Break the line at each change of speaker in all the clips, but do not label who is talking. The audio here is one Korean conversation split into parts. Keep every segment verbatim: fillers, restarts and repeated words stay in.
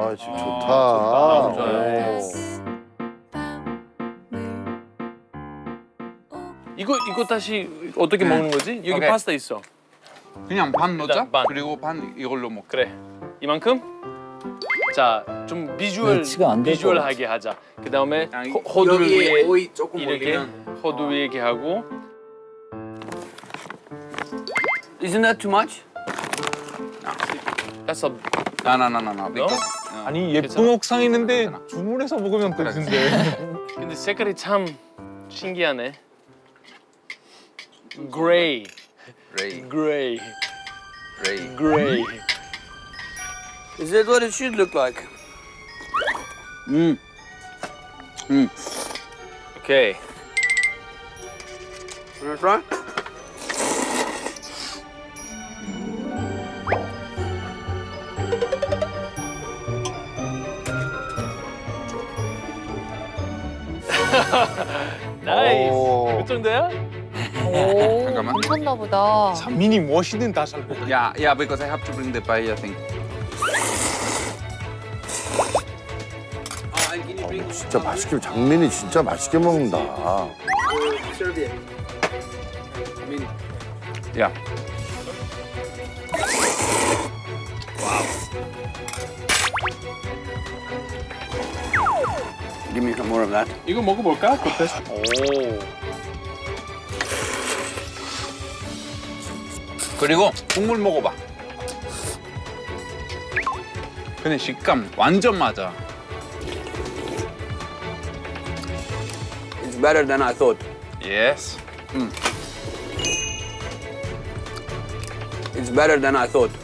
아, 지금
아,
좋다.
좋다. 좋아요. 이거 이거 다시 어떻게 먹는 거지? 여기
오케이.
파스타 있어.
그냥 반 넣자.
일단 반.
그리고 반 이걸로 먹.
그래. 이만큼? 자, 좀 비주얼
매치가 안될것
비주얼하게 하자. 그 다음에
아,
호두 위에
오이 조금
이렇게
올리면.
호두 위에 이렇게 하고.
Isn't that too much?
That's a
나나나나나. because, 어.
아니 예쁜 옥상 있는데 주문해서 먹으면 되는데.
근데 색깔이 참 신기하네. 그레이,
레이,
그레이,
레이.
그레이.
Is that what it should look like?
음. 음.
오케이.
Wanna try?
나이스.
오.
그 정도야?
오,
잠깐만.
괜찮나 보다.
미니 멋있는 다 잘 먹어.
Yeah, yeah, because I have to bring the paella thing.
Oh, and can you bring
진짜 맛있게, 장민이 진짜 맛있게 먹는다.
serviette? I mean,
Yeah.
give me some more of that.
이거 먹어볼까? 겉에서. 오.
그리고 국물 먹어봐. 근데 식감 완전 맞아.
It's better than I thought.
Yes. 음.
It's better than I thought.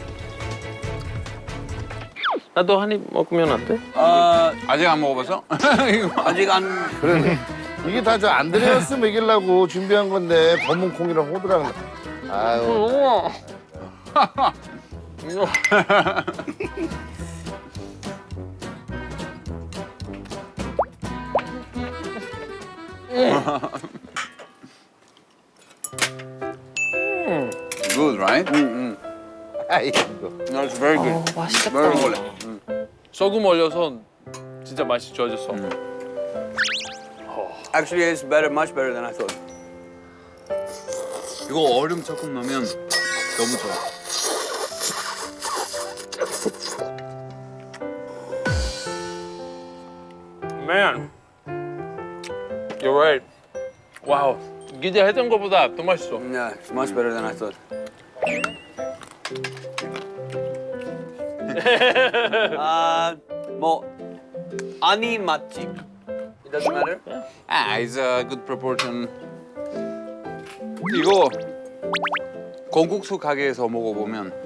나도 한 입 먹으면 안 돼?
Uh,
아직 안 먹어봐서? 이거.
아직 안.
그러네. 이게 다 저 안드레아스 먹이려고 준비한 건데 검은 콩이랑 호두랑. 아유.
Good, right?
Mm-mm.
아이고.
No, it's very good.
어, 맛있겠다.
Very good.
소금 올려서 진짜 맛이 좋아졌어.
Actually, it's better, much better than I thought.
이거 얼음 조금 넣으면 너무 좋아.
Man, you're right. 와우, 기대했던 것보다 더 맛있어.
Yeah, it's much better than I thought. 아, 뭐 아니 맛집. It doesn't matter.
Ah, it's a good proportion. 이거 건국수 가게에서 먹어보면